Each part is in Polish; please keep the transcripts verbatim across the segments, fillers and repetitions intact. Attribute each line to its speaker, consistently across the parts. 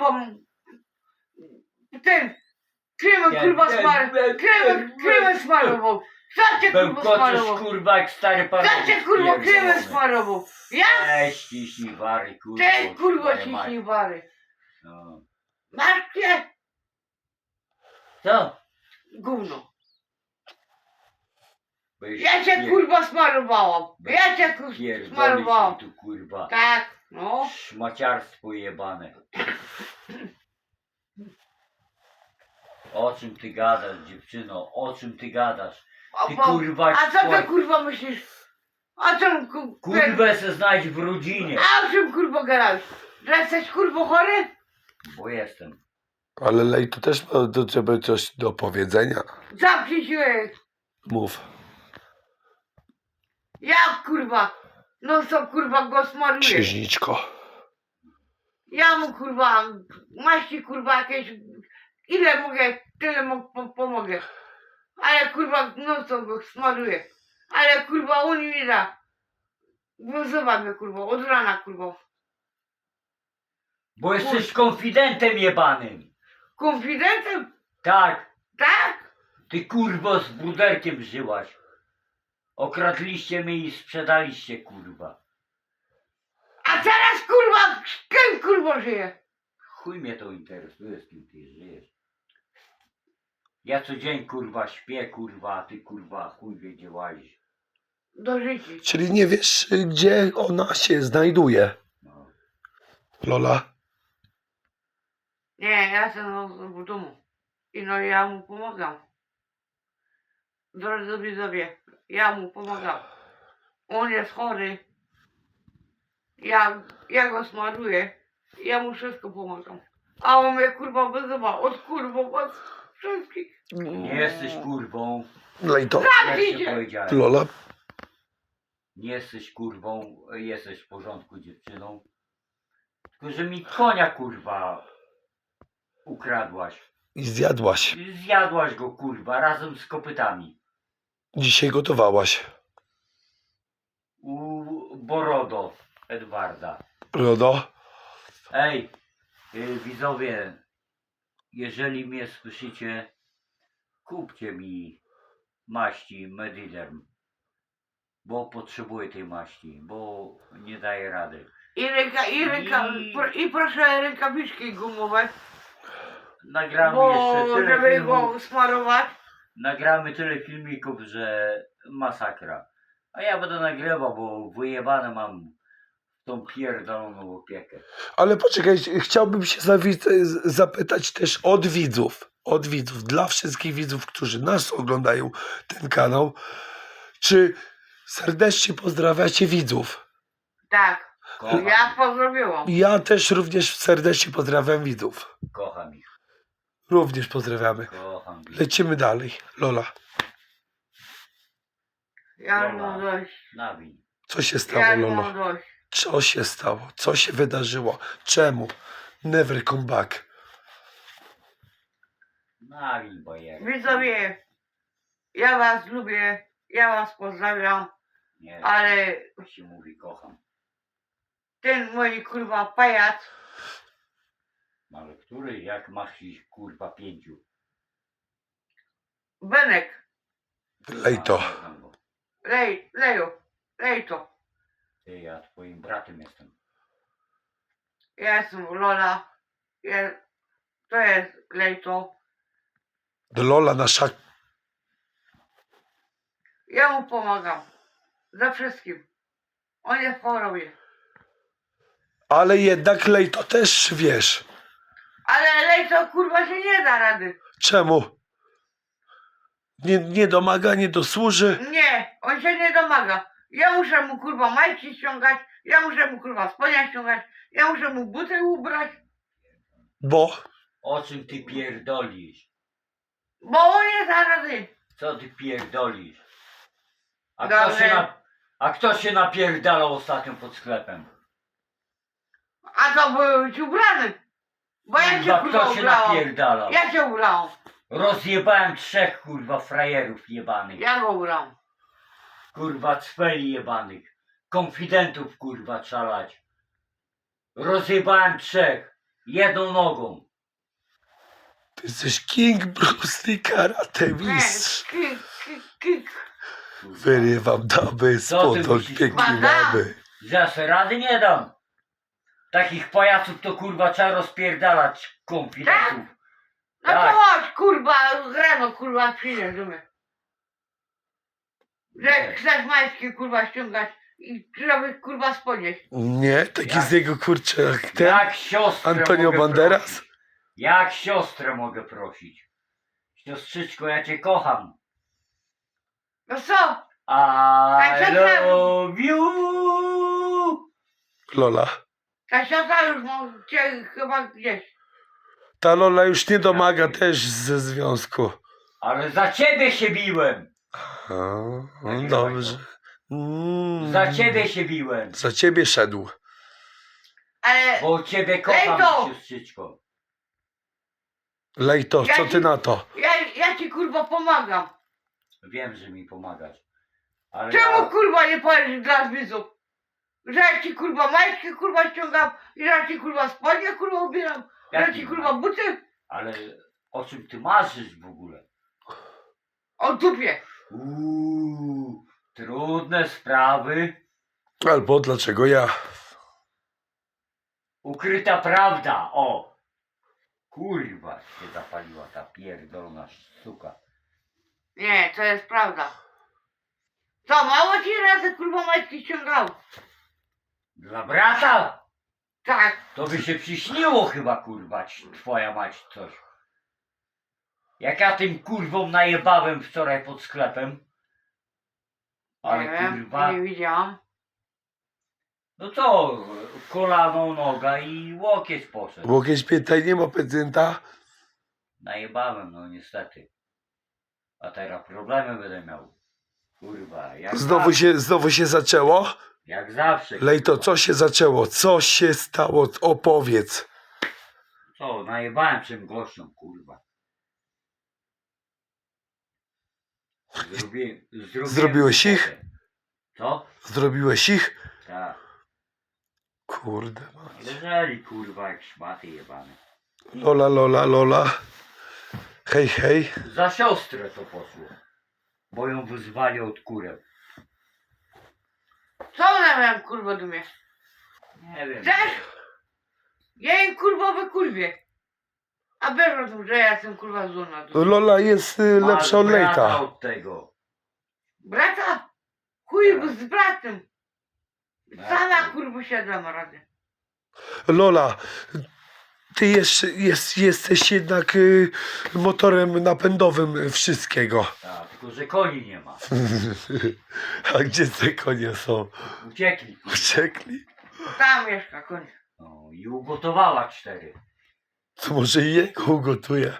Speaker 1: kurwa. Ten. Kremem kurwa smarował. Kremem, kremem smarował. Co cię kurwa
Speaker 2: Bełkoczysz
Speaker 1: smarował?
Speaker 2: kurwa jak stary pan.
Speaker 1: Co cię kurwa kremem smarował? Ja?
Speaker 2: Weź ciśnij wary kurwa.
Speaker 1: Ty kurwa
Speaker 2: twoja mać.
Speaker 1: ciśnij wary.
Speaker 2: No.
Speaker 1: Masz cię?
Speaker 2: Co?
Speaker 1: Gówno.
Speaker 2: Weź
Speaker 1: Ja cię
Speaker 2: pier-
Speaker 1: kurwa smarowałam.
Speaker 2: weź
Speaker 1: Ja cię kurwa
Speaker 2: pierdolisz
Speaker 1: smarowałam.
Speaker 2: mi tu kurwa.
Speaker 1: Tak, no.
Speaker 2: Szmaciarstwo jebane. O czym ty gadasz, dziewczyno? O czym ty gadasz?
Speaker 1: O,
Speaker 2: Ty
Speaker 1: bo-
Speaker 2: kurwa
Speaker 1: A co ty
Speaker 2: słuchaj,
Speaker 1: kurwa myślisz? A czym ku...
Speaker 2: kurwę se znajdź w rodzinie.
Speaker 1: A o czym kurwa gadałeś? Że jesteś kurwa chory?
Speaker 2: Bo jestem.
Speaker 3: Ale Lejto też ma do ciebie coś do powiedzenia.
Speaker 1: Zamknij się.
Speaker 3: Mów.
Speaker 1: Ja kurwa. No co kurwa go smaruję.
Speaker 3: Księżniczko.
Speaker 1: Ja mu kurwa maści kurwa jakieś. Ile mogę, tyle mu po, pomogę. Ale kurwa no co go smaruję. Ale kurwa on mi da. Wyzywa mnie kurwa, od rana kurwa.
Speaker 2: Bo jesteś konfidentem jebanym.
Speaker 1: Konfidentem?
Speaker 2: Tak.
Speaker 1: Tak?
Speaker 2: Ty kurwo z bruderkiem żyłaś. Okradliście mnie i sprzedaliście kurwa.
Speaker 1: A teraz kurwa, z kim kurwa żyje?
Speaker 2: Chuj mnie to interesuje, z kim ty żyjesz. Ja co dzień kurwa śpię kurwa, a ty kurwa chuj wie gdzie łazisz.
Speaker 1: Do życia.
Speaker 3: Czyli nie wiesz, gdzie ona się znajduje.
Speaker 2: No.
Speaker 3: Lola.
Speaker 1: Nie, ja jestem w domu. I no ja mu pomagam. Drodzy widzowie, ja mu pomagam. On jest chory. Ja, ja go smaruję. Ja mu wszystko pomagam. A on mnie kurwa wyzywa. Od kurwa was wszystkich.
Speaker 2: Nie jesteś kurwą.
Speaker 3: Lejto.
Speaker 2: Jak się
Speaker 1: Idzie.
Speaker 2: powiedziałem.
Speaker 3: Lola.
Speaker 2: Nie jesteś kurwą, jesteś w porządku dziewczyną. Tylko że mi konia kurwa ukradłaś.
Speaker 3: I zjadłaś.
Speaker 2: Zjadłaś go kurwa razem z kopytami.
Speaker 3: Dzisiaj gotowałaś.
Speaker 2: U Borodo Edwarda.
Speaker 3: Rodo.
Speaker 2: Ej, y, widzowie, jeżeli mnie słyszycie, kupcie mi maści Mediderm. Bo potrzebuję tej maści, bo nie daję rady.
Speaker 1: I ręka, i ręka,
Speaker 2: I-
Speaker 1: pro, i proszę rękawiczki gumowe.
Speaker 2: Nagramy
Speaker 1: Bo
Speaker 2: jeszcze tyle
Speaker 1: żeby
Speaker 2: filmów,
Speaker 1: go smarować.
Speaker 2: nagramy tyle filmików, że masakra. A ja będę nagrywał, bo wyjebane mam tą pierdoloną opiekę.
Speaker 3: Ale poczekaj, chciałbym się zawi- zapytać też od widzów. Od widzów, dla wszystkich widzów, którzy nas oglądają ten kanał. Czy serdecznie pozdrawiacie widzów?
Speaker 1: Tak,
Speaker 2: Kocham
Speaker 1: ja
Speaker 2: ich,
Speaker 1: pozdrowiłam.
Speaker 3: Ja też również serdecznie pozdrawiam widzów.
Speaker 2: kocham ich,
Speaker 3: Również pozdrawiamy.
Speaker 2: kocham ich.
Speaker 3: Lecimy dalej. Lola,
Speaker 1: Ja
Speaker 2: Dobra.
Speaker 1: mam dość.
Speaker 2: Nawin.
Speaker 3: co się stało,
Speaker 1: Ja
Speaker 3: Lolo?
Speaker 1: mam dość.
Speaker 3: Co się stało? Co się wydarzyło? Czemu? Never come back.
Speaker 2: Nawin, bojer.
Speaker 1: Widzowie, ja was lubię, ja was pozdrawiam,
Speaker 2: Nie,
Speaker 1: ale
Speaker 2: to się mówi kocham.
Speaker 1: ten mój kurwa pajac,
Speaker 2: Ale który, jak masz ich kurwa pięciu?
Speaker 1: Benek,
Speaker 3: Lejto.
Speaker 2: A, kocham go.
Speaker 1: lej, leju, lej to.
Speaker 2: Ty, ja twoim bratem jestem.
Speaker 1: Ja jestem Lola, ja, to jest lej to.
Speaker 3: Lola nasza.
Speaker 1: Ja mu pomagam, za wszystkim. On jest w chorobie.
Speaker 3: Ale jednak Lejto też wiesz.
Speaker 1: Ale lej to kurwa się nie da rady.
Speaker 3: Czemu? Nie, nie domaga, nie dosłuży.
Speaker 1: Nie, on się nie domaga. Ja muszę mu kurwa majtki ściągać, ja muszę mu kurwa spodnia ściągać, ja muszę mu buty ubrać,
Speaker 3: Bo
Speaker 2: O czym ty pierdolisz?
Speaker 1: bo on nie da rady.
Speaker 2: Co ty pierdolisz? A
Speaker 1: Dobrze.
Speaker 2: kto, się na, a kto się napierdalał ostatnio pod sklepem?
Speaker 1: A to był ci ubrany. Bo ja się
Speaker 2: Kurwa,
Speaker 1: kurwa
Speaker 2: kto się
Speaker 1: ubrałam.
Speaker 2: napierdalał?
Speaker 1: Ja się ubrałam.
Speaker 2: Rozjebałem trzech kurwa frajerów jebanych.
Speaker 1: Ja go ubrałam.
Speaker 2: Kurwa cweli jebanych. Konfidentów kurwa trzalać. Rozjebałem trzech. jedną nogą.
Speaker 3: Ty jesteś King Bruce Lee karate
Speaker 1: Nie,
Speaker 3: mistrz.
Speaker 1: kik, kik, kik.
Speaker 3: Wyrywam daby
Speaker 2: Co ty
Speaker 3: spod
Speaker 2: myślisz,
Speaker 3: pięknej
Speaker 1: kurwa?
Speaker 3: mamy.
Speaker 2: Ja se rady nie dam. Takich pajaców to kurwa trzeba rozpierdalać konfidentów.
Speaker 1: No to
Speaker 2: Tak.
Speaker 1: chodź, kurwa, rano, kurwa, przyjdziesz do mnie. Że
Speaker 2: Nie.
Speaker 1: chcesz majski, kurwa, ściągać i żeby, kurwa, spodnieść.
Speaker 3: Nie, taki
Speaker 2: Jak?
Speaker 3: z niego kurczę jak ten.
Speaker 2: Jak siostrę
Speaker 3: Antonio
Speaker 2: mogę
Speaker 3: Banderas?
Speaker 2: prosić? Jak siostrę mogę prosić? Siostrzyczko, ja cię kocham.
Speaker 1: No co?
Speaker 2: I
Speaker 1: Tak,
Speaker 2: love you.
Speaker 3: Lola.
Speaker 1: Ta siostra już no, cię chyba gdzieś.
Speaker 3: Ta Lola już nie domaga też ze związku.
Speaker 2: Ale za ciebie się biłem.
Speaker 3: A, no dobrze. Mm.
Speaker 2: Za ciebie się biłem.
Speaker 3: Za ciebie szedł.
Speaker 1: Ale
Speaker 2: Bo ciebie kocham,
Speaker 1: Lejto!
Speaker 2: siostrzyczko.
Speaker 3: Lejto,
Speaker 1: Ja
Speaker 3: co
Speaker 1: ci-
Speaker 3: ty na to?
Speaker 1: ja, ja ci, kurwa, pomagam.
Speaker 2: Wiem, że mi pomagasz. Ale
Speaker 1: Czemu,
Speaker 2: ja...
Speaker 1: kurwa, nie powiesz dla widzów? Że ja ci, kurwa, majtki, kurwa, ściągam i że ja ci, kurwa, spodnie, kurwa, ubieram. Że ja
Speaker 2: Jaki
Speaker 1: ci, kurwa, buty
Speaker 2: Ale o czym ty marzysz w ogóle?
Speaker 1: o dupie.
Speaker 2: Uuu, trudne sprawy.
Speaker 3: Albo dlaczego ja?
Speaker 2: Ukryta prawda, o! Kurwa się zapaliła ta pierdolona suka.
Speaker 1: Nie, to jest prawda. Co, mało ci razy, kurwa, majtki ściągał?
Speaker 2: Dla brata?
Speaker 1: Tak.
Speaker 2: To by się przyśniło chyba, kurwa, ci- twoja mać coś. Jak ja tym kurwom najebałem wczoraj pod sklepem. Ale
Speaker 1: Nie wiem,
Speaker 2: kurwa,
Speaker 1: nie widziałam.
Speaker 2: no co, kolano, noga i łokieć poszedł.
Speaker 3: Łokieć piętaj nie ma pacjenta.
Speaker 2: Najebałem, no niestety. A teraz problemy będę miał. Kurwa, jak
Speaker 3: Znowu
Speaker 2: zawsze.
Speaker 3: się, znowu się zaczęło?
Speaker 2: Jak zawsze.
Speaker 3: Lejto,
Speaker 2: kurwa.
Speaker 3: co się zaczęło? Co się stało? Opowiedz.
Speaker 2: Co, najebałem czym gościom, kurwa. Zrobi... Zrobiłem
Speaker 3: Zrobiłeś ich?
Speaker 2: robotę. Co?
Speaker 3: Zrobiłeś ich?
Speaker 2: Tak.
Speaker 3: Kurde mać.
Speaker 2: Leżeli, kurwa, jak szmaty jebane.
Speaker 3: Lola, Lola, Lola. Hej, hej.
Speaker 2: Za siostrę to poszło. Bo ją wyzwali od kureł.
Speaker 1: Co ona miałem, kurwa, do mnie?
Speaker 2: Nie wiem.
Speaker 1: Chcesz? Ja jej, kurwa, wykurwię. A wiesz o tym, że ja jestem, kurwa, zła na dół.
Speaker 3: Lola jest y,
Speaker 2: Masz
Speaker 3: lepsza od
Speaker 2: brata
Speaker 3: Lejta.
Speaker 2: od tego.
Speaker 1: Brata? Chuj, bo z bratem.
Speaker 2: Tak.
Speaker 1: Sama, kurwa, się dam radę.
Speaker 3: Lola, ty jeszcze jest, jesteś jednak y, motorem napędowym wszystkiego.
Speaker 2: Tak, tylko że koni nie ma.
Speaker 3: A gdzie te konie są?
Speaker 2: Uciekli. kurwa.
Speaker 3: Uciekli?
Speaker 1: Tam mieszka, koń.
Speaker 2: No, i ugotowała cztery.
Speaker 3: To może i jego ugotuję.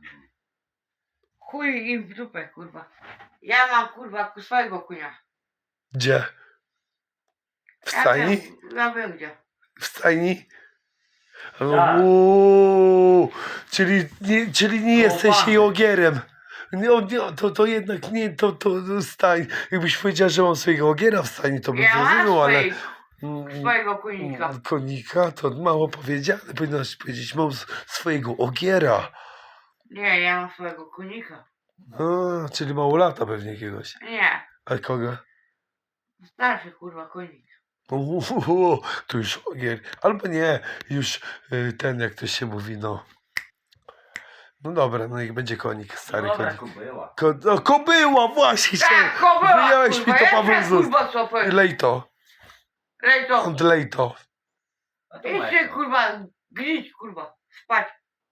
Speaker 1: Chuj im w dupę, kurwa. Ja mam, kurwa, swojego kunia.
Speaker 3: Gdzie? W
Speaker 1: Ja
Speaker 3: stajni?
Speaker 1: wiem, ja wiem gdzie.
Speaker 3: W stajni?
Speaker 2: Tak.
Speaker 3: Uuu, czyli nie, czyli nie jesteś
Speaker 2: Chłopany.
Speaker 3: jej ogierem. Nie, nie, to, to jednak nie, to, to stań. Jakbyś powiedział, że mam swojego ogiera w stajni, to bym
Speaker 1: Ja mam
Speaker 3: zrozumiał, ale...
Speaker 1: swojej,
Speaker 3: Mm,
Speaker 1: swojego kunika.
Speaker 3: mm, Konika to mało powiedziane. Powinnaś powiedzieć, mam s- swojego ogiera.
Speaker 1: Nie, ja mam swojego kunika.
Speaker 3: A, czyli mało lata pewnie jakiegoś.
Speaker 1: Nie,
Speaker 3: A kogo?
Speaker 1: starszy, kurwa, kunik.
Speaker 3: Uuu, to już ogier. Albo nie, już y, ten, jak to się mówi, no. No dobra, no niech będzie konik, stary
Speaker 2: Dobra,
Speaker 3: konik.
Speaker 2: była.
Speaker 3: Ko, no, kobyła, właśnie się.
Speaker 1: Tak, kobyła,
Speaker 3: Wyjąłeś mi
Speaker 1: kurwa,
Speaker 3: to,
Speaker 1: ja
Speaker 3: Paweł
Speaker 1: też,
Speaker 3: Zus.
Speaker 1: kurwa, sopę.
Speaker 3: Lejto,
Speaker 1: Lejto.
Speaker 3: od lejto.
Speaker 2: A to
Speaker 1: Jeszcze,
Speaker 2: Meko.
Speaker 1: kurwa, gdzieś, kurwa, spać.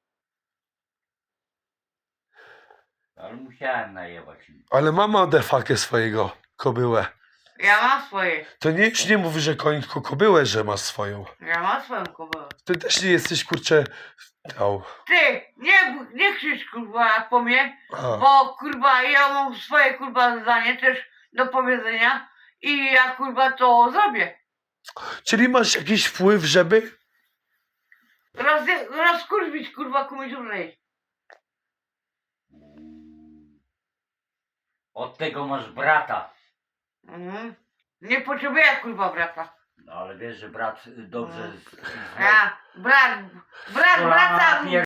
Speaker 2: Ale musiałem najebać im.
Speaker 3: Ale mama defakę swojego kobyłę.
Speaker 1: Ja mam swoje.
Speaker 3: To nie, już nie mówi, że koń, tylko kobyłę, że ma swoją.
Speaker 1: Ja mam swoją kobyłę.
Speaker 3: Ty też nie jesteś, kurczę... Au.
Speaker 1: Ty, nie, nie krzycz, kurwa, po mnie,
Speaker 3: A.
Speaker 1: bo, kurwa, ja mam swoje, kurwa, zdanie też do powiedzenia i ja, kurwa, to zrobię.
Speaker 3: Czyli masz jakiś wpływ, żeby...
Speaker 1: Roz, rozkurwić, kurwa, komuś umrzeć.
Speaker 2: Od tego masz brata.
Speaker 1: Mhm. Nie potrzebuję, kurwa, brata.
Speaker 2: No ale wiesz, że brat y, dobrze z, z,
Speaker 1: Ja, brat, brat,
Speaker 2: Kolana
Speaker 1: brata,
Speaker 2: pier-